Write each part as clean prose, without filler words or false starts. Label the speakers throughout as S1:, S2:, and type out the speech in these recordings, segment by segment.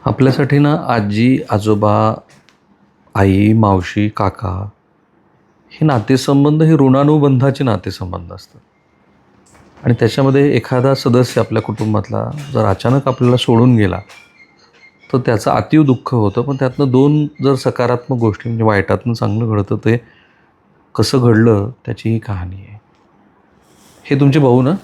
S1: आपल्यासाठी ना आजी आजोबा आई मावशी काका हे नातेसंबंध हे ऋणानुबंधाचे नातेसंबंध असतात. आणि त्याच्यामध्ये एखादा सदस्य आपल्या कुटुंबातला जर अचानक आपल्याला सोडून गेला तर त्याचं अतीव दुःख होतं. पण त्यातनं दोन जर सकारात्मक गोष्टी म्हणजे वाईटातनं चांगलं घडतं ते कसं घडलं त्याची ही कहाणी आहे. हे तुमचे भाऊ ना?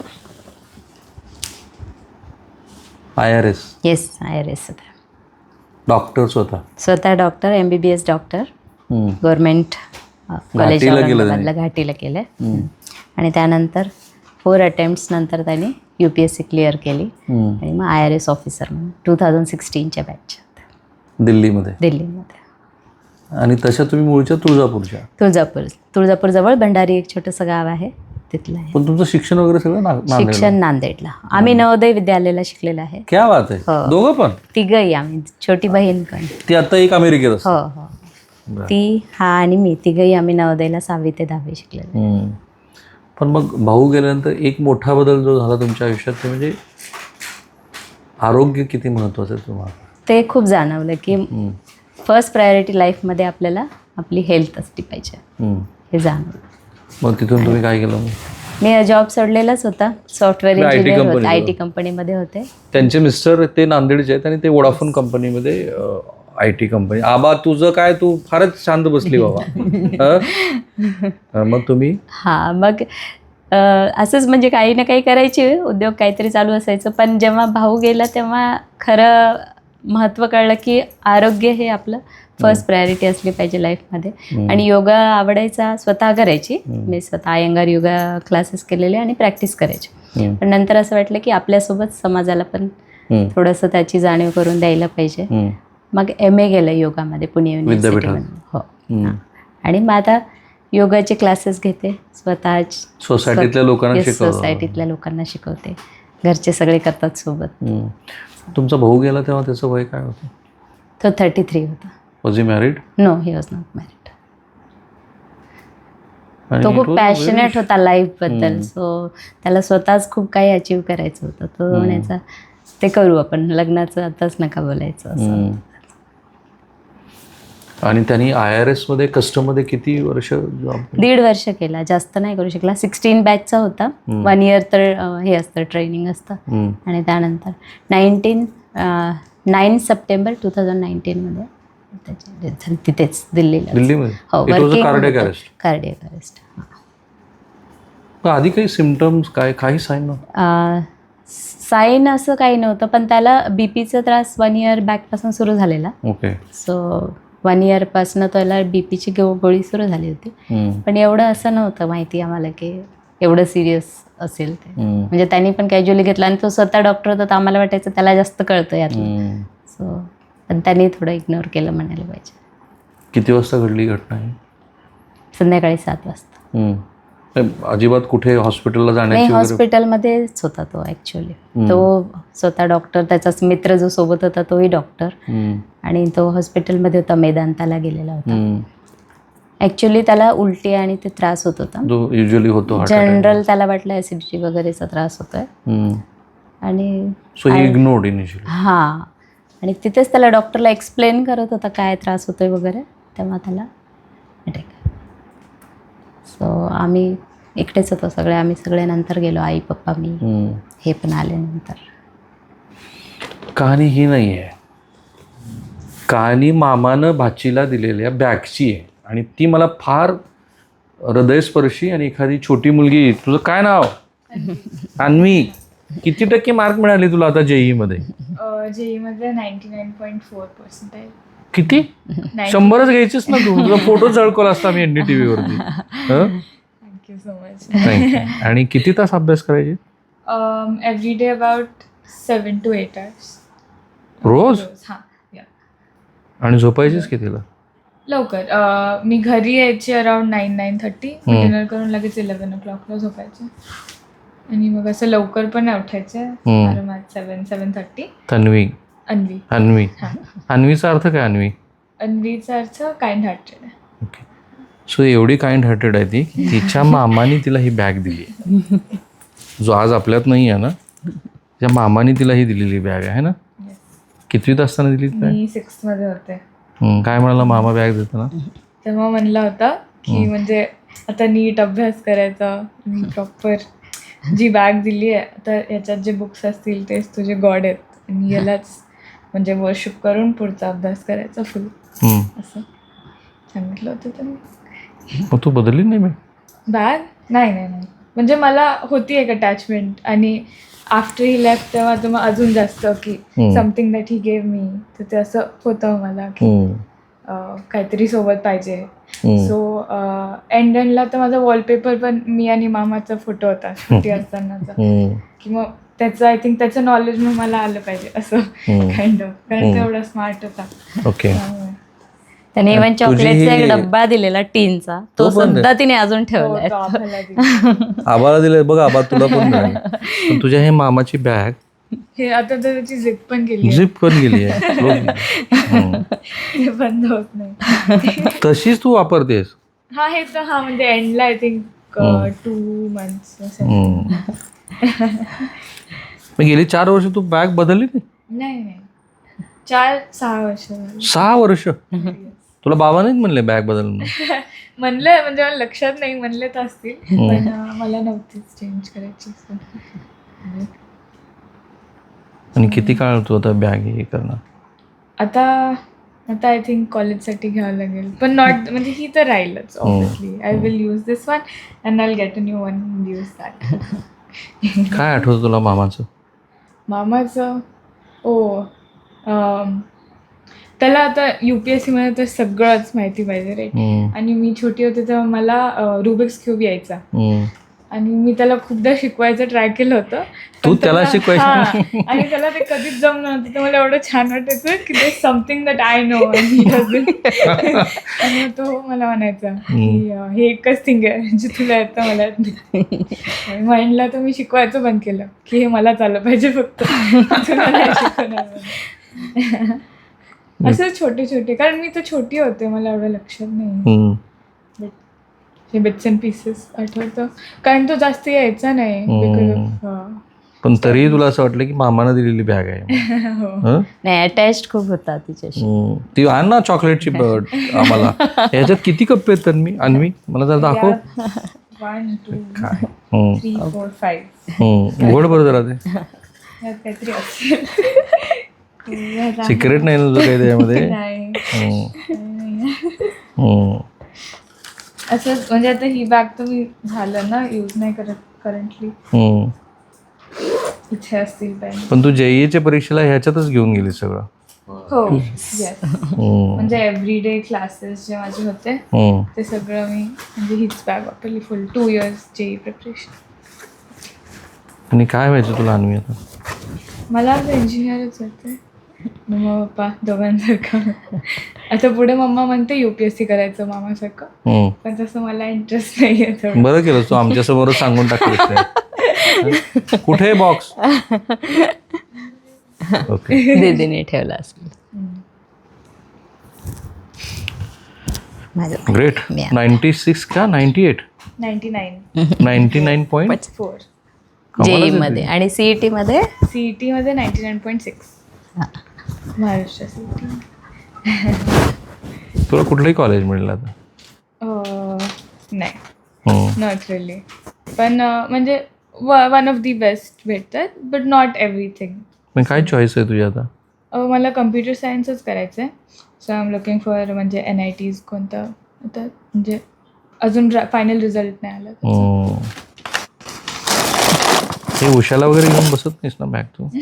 S1: IRS
S2: येस IRS
S1: डॉक्टर
S2: स्वतः doctor MBBS doctor government college
S1: घाटीला केलं
S2: औरंगाबादला घाटीला केलं. आणि त्यानंतर 4 अटेम्प्ट्स नंतर त्याने UPSC क्लिअर केली आणि मग IRS ऑफिसर म्हणून 2016च्या बॅचच्या दिल्लीमध्ये.
S1: आणि तशा तुम्ही मूळच्या तुळजापूरच्या?
S2: तुळजापूरजवळ भंडारी एक छोटंसं गाव आहे तिथलं आहे.
S1: पण तुमचं शिक्षण वगैरे सगळं
S2: शिक्षण नांदेडला. आम्ही नवोदय विद्यालयाला शिकलेलं आहे.
S1: क्या बात आहे. दोघं पण?
S2: तिघही आम्ही, छोटी बहीण पण.
S1: ती आता एक अमेरिकेत असते?
S2: हो. ती हा आणि मी तिघही आम्ही नवोदयला 6वी ते 10वी शिकलेलो.
S1: पण मग भाऊ गेल्यानंतर एक मोठा बदल जो झाला तुमच्या आयुष्यात ते म्हणजे आरोग्य किती महत्वाचं आहे तुम्हाला? ते
S2: खूप जाणवलं की फर्स्ट प्रायोरिटी लाईफमध्ये आपल्याला आपली हेल्थ असली पाहिजे हे जाणवलं.
S1: मग तिथून तुम्ही काय केलं?
S2: मी जॉब सोडलेलाच होता. सॉफ्टवेअर इंजिनियर होते, IT कंपनीमध्ये होते.
S1: त्यांचे मिस्टर ते नांदेडचे आहेत आणि ते वोडाफोन कंपनीमध्ये IT कंपनी. आबा तुझं काय, तू फारच शांत बसली बाबा. मग तुम्ही?
S2: मग असंच म्हणजे काही ना काही करायचे उद्योग, काहीतरी चालू असायचं. पण जेव्हा भाऊ गेला तेव्हा खरं महत्त्व कळलं की आरोग्य हे आपलं फर्स्ट प्रायोरिटी असली पाहिजे लाईफमध्ये. आणि योगा आवडायचा, स्वतः करायची. मी स्वतः अयंगार योगा क्लासेस केलेले आणि प्रॅक्टिस करायची. पण नंतर असं वाटलं की आपल्यासोबत समाजाला पण थोडंसं त्याची जाणीव करून द्यायला पाहिजे. मग MA केलं योगामध्ये पुणे युनिव्हर्सिटीमध्ये. हो. आणि मग आता योगाचे क्लासेस घेते स्वतः. सोसायटीतल्या लोकांना शिकवते. घरचे सगळे करतात सोबत.
S1: तुमचा भाऊ गेला तेव्हा त्याचं वय काय होतं?
S2: तो 33 होता.
S1: Was he married?
S2: No, he was not married. तो खूप पॅशनेट होता लाईफबद्दल. सो त्याला स्वतःच खूप काही अचीव करायचं होतं. तो म्हणायचा ते करू आपण, लग्नाचं आताच नका बोलायचं असं. आणि
S1: त्यांनी IRS मध्ये कस्टममध्ये किती वर्ष?
S2: 1.5 वर्ष केला, जास्त नाही करू शकला. 16 बॅचचा होता. 1 इयर तर हे असतं, ट्रेनिंग असतं. आणि त्यानंतर 9 सप्टेंबर 2019 मध्ये त्याची तिथेच दिल्लीमध्ये. हो, कार्डियक अरेस्ट.
S1: आधी काही सिम्पटम्स काही साईन नव्हतं?
S2: साईन असं काही नव्हतं, पण त्याला BPचा त्रास 1 इयर बॅकपासून सुरू झालेला.
S1: ओके.
S2: सो 1 इयरपासून त्याला BPची गोळी सुरू झाली होती. पण एवढं असं नव्हतं माहिती आम्हाला की एवढं सिरियस असेल ते. म्हणजे त्यांनी पण कॅज्युअली घेतला आणि तो स्वतः डॉक्टर होता तर आम्हाला वाटायचं त्याला जास्त कळतं यातलं. सो पण त्यांनी थोडं इग्नोर केलं म्हणायला पाहिजे.
S1: किती वाजता घडली घटना?
S2: संध्याकाळी 7 वाजता.
S1: अजिबात कुठे हॉस्पिटलला जाण्याची?
S2: नाही, हॉस्पिटलमध्येच होता तो ॲक्च्युअली. तो स्वतः डॉक्टर, त्याचाच मित्र जो सोबत होता तोही डॉक्टर. आणि तो हॉस्पिटलमध्ये होता, मेदांताला गेलेला होता. ॲक्च्युली त्याला उलटी आणि ते त्रास होत होता,
S1: जो युजली होतो.
S2: जनरल त्याला वाटलं ॲसिडिटी वगैरेचा त्रास होतोय. आणि
S1: इग्नोर्ड इनिशियली.
S2: आणि तिथेच त्याला डॉक्टरला एक्सप्लेन करत होता काय त्रास होतोय वगैरे, तेव्हा त्याला अटॅक. सो आम्ही एकटेच होतो सगळे. आम्ही सगळे नंतर गेलो, आई पप्पा मी, हे पण आले नंतर.
S1: कहाणी ही नाही आहे. कहाणी मामानं भाचीला दिलेल्या बॅगची आहे. आणि ती मला फार हृदयस्पर्शी. आणि एखादी छोटी मुलगी, तुझं काय नाव? अन्वी. किती टक्के मार्क मिळाले तुला आता JEE मध्ये?
S3: JEE मध्ये 99.4%.
S1: किती? 100च घ्यायचीच ना तू. तुझा फोटो झळकवला असता मी NDTV वरती.
S3: Thank you so much.
S1: आणि किती तास अभ्यास करायचे?
S3: Every day about 7 to 8 hours.
S1: रोज? आणि झोपायचीच कितीला?
S3: लवकर. मी घरी यायची अराउंड 9-9:30. डिनर करून लगेच 11 o'clockला झोपायचे. आणि मग असं लवकर पण उठायचे, आरामात 7-7:30. अन्वी.
S1: अन्वीचा अर्थ काय?
S3: अन्वीचा अर्थ काइंड हार्टेड.
S1: ओके. सो एवढी काइंड हार्टेड आहे ती, तिच्या मामाने तिला ही बॅग दिली, जो आज आपल्यात नाही आहे ना. तिच्या मामाने तिला ही दिलेली बॅग आहे ना. कितवीत असताना दिली काय?
S3: मी 6th मध्ये होते.
S1: काय म्हणाला मामा बॅग देताना?
S3: तेव्हा म्हणला होता की म्हणजे आता नीट अभ्यास करायचा, मी प्रॉपर जी बॅग दिली आहे आता याच्यात जे बुक्स असतील तेच तुझे गॉड आहेत आणि यालाच म्हणजे वर्शिप करून पुढचा अभ्यास करायचा फुल, असं सांगितलं होतं त्यांनी.
S1: मग तू बदलली नाही
S3: बॅग? नाही म्हणजे मला होती एक अटॅचमेंट आणि आफ्टर ही लेफ्ट तेव्हा तर मग अजून जास्त की something that he gave me, तर ते असं होतं मला की काहीतरी सोबत पाहिजे. सो एंडला तर माझा वॉलपेपर पण मी आणि मामाचा फोटो होता छोटी असतानाचा, की मग त्याचं आय थिंक त्याचं नॉलेज मग मला आलं पाहिजे असं काइंड ऑफ, कारण तेवढा स्मार्ट होता.
S1: ओके.
S2: त्याने इव्हन चॉकलेटचा एक डब्बा दिलेला टीनचा, तो सुद्धा तिने अजून ठेवलाय.
S1: आबाला दिले बघ, आबा तुला पण मिळाली. पण तुझ्या हे मामाची बॅग
S3: हे आता तर त्याची झिप पण गेली,
S1: झिप पण गेली आहे,
S3: ते बंद होत नाही.
S1: तशीच तू वापरतेस?
S3: हा हे तर हा म्हणजे एंडला आय थिंक 2 months.
S1: मग गेली 4 वर्ष तू बॅग बदलली
S3: नाही 4-6 वर्ष.
S1: 6 वर्ष तुला बाबा नाहीत म्हणले बॅग बदल?
S3: म्हणलंय म्हणजे मला लक्षात नाही, म्हणले तर असतील पण मला नव्हतीच चेंज करायची.
S1: आणि किती काळ तू आता बॅग हे करणार?
S3: आता आय थिंक कॉलेजसाठी घ्यावं लागेल, पण नॉट म्हणजे ही तर राहीलच obviously. I will use this one and I will get a new one and use that.
S1: काय आठवतं तुला मामाचं?
S3: त्याला आता UPSC मध्ये तर सगळंच माहिती पाहिजे राईट. आणि मी छोटी होते तेव्हा मला रुबिक्स क्यूब यायचा आणि मी त्याला खूपदा शिकवायचं ट्राय केलं होतं.
S1: तू त्याला शिकवायचं?
S3: आणि त्याला ते कधीच जमलं नव्हतं. तर मला एवढं छान वाटायचं की ते समथिंग दॅट आय नो आणि तो मला म्हणायचा की हे एकच थिंग आहे जे तुला येतं मला येत नाही. माइंडला तर मी शिकवायचं बंद केलं की हे मला चाललं पाहिजे फक्त, तुला नाही शिकवणार. असं छोटे छोटे, कारण मी तर छोटी होते मला एवढं लक्षात नाही. हे बिट्स अँड पीसेस आठवतं, कारण तो जास्त यायचा नाही बिकॉज ऑफ.
S1: पण तरी तुला असं वाटलं की मामानं दिलेली बॅग आहे?
S2: नाही, अटॅच खूप होता तिच्याशी.
S1: ती आण ना चॉकलेटची आम्हाला. याच्यात किती कप्पे आहेत तन्वी? अन्वी मला जरा दाखव.
S3: 1 2 3 4 5.
S1: उघड बरं जरा ते.
S3: काहीतरी असेल,
S1: सिक्रेट नाही ना तुझं काही त्याच्यामध्ये?
S3: असंच म्हणजे आता ही बॅग तर मी झालं ना यूज नाही करत करंटली. इथे असतील पेन.
S1: पण तू JEEच्या परीक्षेला ह्याच्यातच घेऊन गेली सगळं?
S3: हो येस. म्हणजे एव्हरीडे क्लासेस जे माझे होते ते सगळं मी म्हणजे हीच बॅग वापरली फुल 2 years JEE प्रिपरेशन.
S1: आणि काय व्हायचं तुला अन्वी आता?
S3: मला आता इंजिनियरच होते, मम्मा पप्पा दोघांसारखं. आता पुढे मम्मा म्हणते UPSC करायचं मामासारखं, पण तसं मला इंटरेस्ट नाही आहे.
S1: बरं केलं तू आमच्यासमोरच सांगून टाकलं. कुठे बॉक्स? ओके,
S2: दीदीने ठेवला असेल.
S1: ग्रेट. 96 का 98? 99.4.
S2: JEE मध्ये आणि CET मध्ये?
S3: CET मध्ये 99.6. महाराष्ट्र CET.
S1: तुला कुठलंही कॉलेज मिळलं आता?
S3: नाही, नॉट रिअली. पण म्हणजे वन ऑफ दी बेस्ट भेटतात, बट नॉट एव्हरीथिंग.
S1: मग काय चॉईस आहे तुझी आता?
S3: मला कम्प्युटर सायन्सच करायचं आहे. So I am looking for म्हणजे NITs कोणतं आता, म्हणजे अजून फायनल रिझल्ट नाही आला.
S1: हे उशाला वगैरे घेऊन बसत नाहीस ना बॅग तू?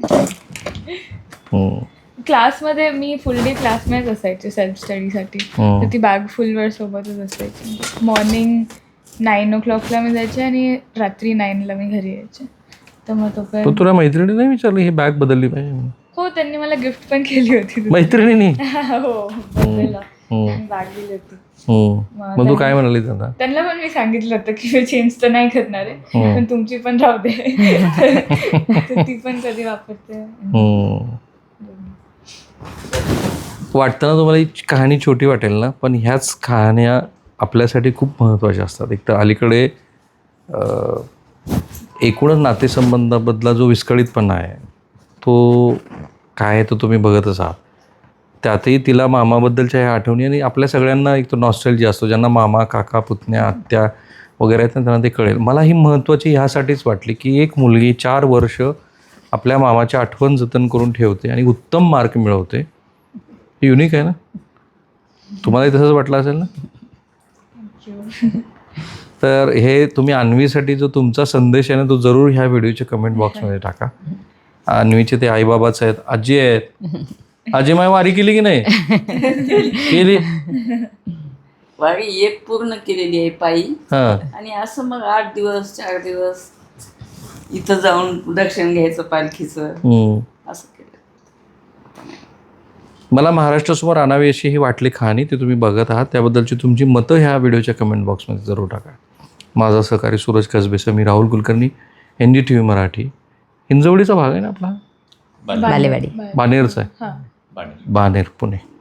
S3: क्लासमध्ये मी फुल डे क्लासमध्येच असायचे सेल्फ स्टडीसाठी, तर ती बॅग फुल वेळ सोबतच असायची. मॉर्निंग 9 o'clockला मी जायचे आणि रात्री 9ला मी घरी यायचे. तर मग तो पण
S1: तुला मैत्रिणी नाही विचारलं ही बॅग बदलली पाहिजे म्हणून?
S3: हो, त्यांनी मला गिफ्ट पण केली होती
S1: मैत्रिणींनी.
S3: हो, बदलला बॅग दिली होती.
S1: मग तू काय म्हणाली त्यांना?
S3: त्यांना पण मी सांगितलं होतं की मी चेंज तर नाही करणार आहे, पण तुमची पण राहू दे. ती पण कधी वापरते.
S1: वाटतं ना तुम्हाला ही कहाणी छोटी वाटेल ना, पण ह्याच कहाण्या आपल्यासाठी खूप महत्त्वाच्या असतात. एक तर अलीकडे एकूणच नातेसंबंधाबद्दला जो विस्कळीतपणा आहे तो काय आहे तो तुम्ही बघतच आहात. त्यातही तिला मामाबद्दलच्या ह्या आठवणी आणि आपल्या सगळ्यांना एक तो नॉस्टॅल्जिया असतो, ज्यांना मामा, काका, पुतण्या, आत्या वगैरे आहेत ना, त्यांना ते कळेल. मला ही महत्त्वाची ह्यासाठीच वाटली की एक मुलगी 4 वर्ष आपल्या मामाची आठवण जतन करून ठेवते आणि उत्तम मार्क मिळवते. ही युनिक आहे ना. तुम्हालाही तसंच वाटलं असेल ना. तर हे तुम्ही अन्वीसाठी जो तुमचा संदेश आहे ना, तो जरूर ह्या व्हिडिओच्या कमेंट बॉक्समध्ये टाका. अन्वीचे ते आईबाबाच आहेत, आजी आहेत. आजी माय वारी केली की नाही केली.
S4: वारी एक पूर्ण केलेली आहे पायी.
S1: हां
S4: आणि असं मग 8 दिवस 4 दिवस इथं जाऊन दर्शन घ्यायचं पालखीचं असं केलं.
S1: मला महाराष्ट्रासमोर आणावी अशी ही वाटली कहाणी, ती तुम्ही बघत आहात. त्याबद्दलची तुमची मतं ह्या व्हिडिओच्या कमेंट बॉक्समध्ये जरूर टाका. माझा सहकारी सूरज कसबे, मी राहुल कुलकर्णी, NDTV मराठी. हिंजवडीचा भाग आहे ना आपला,
S2: बालेवाडी.
S1: बानेरचा आहे,
S3: हां.
S1: बानेर पुणे.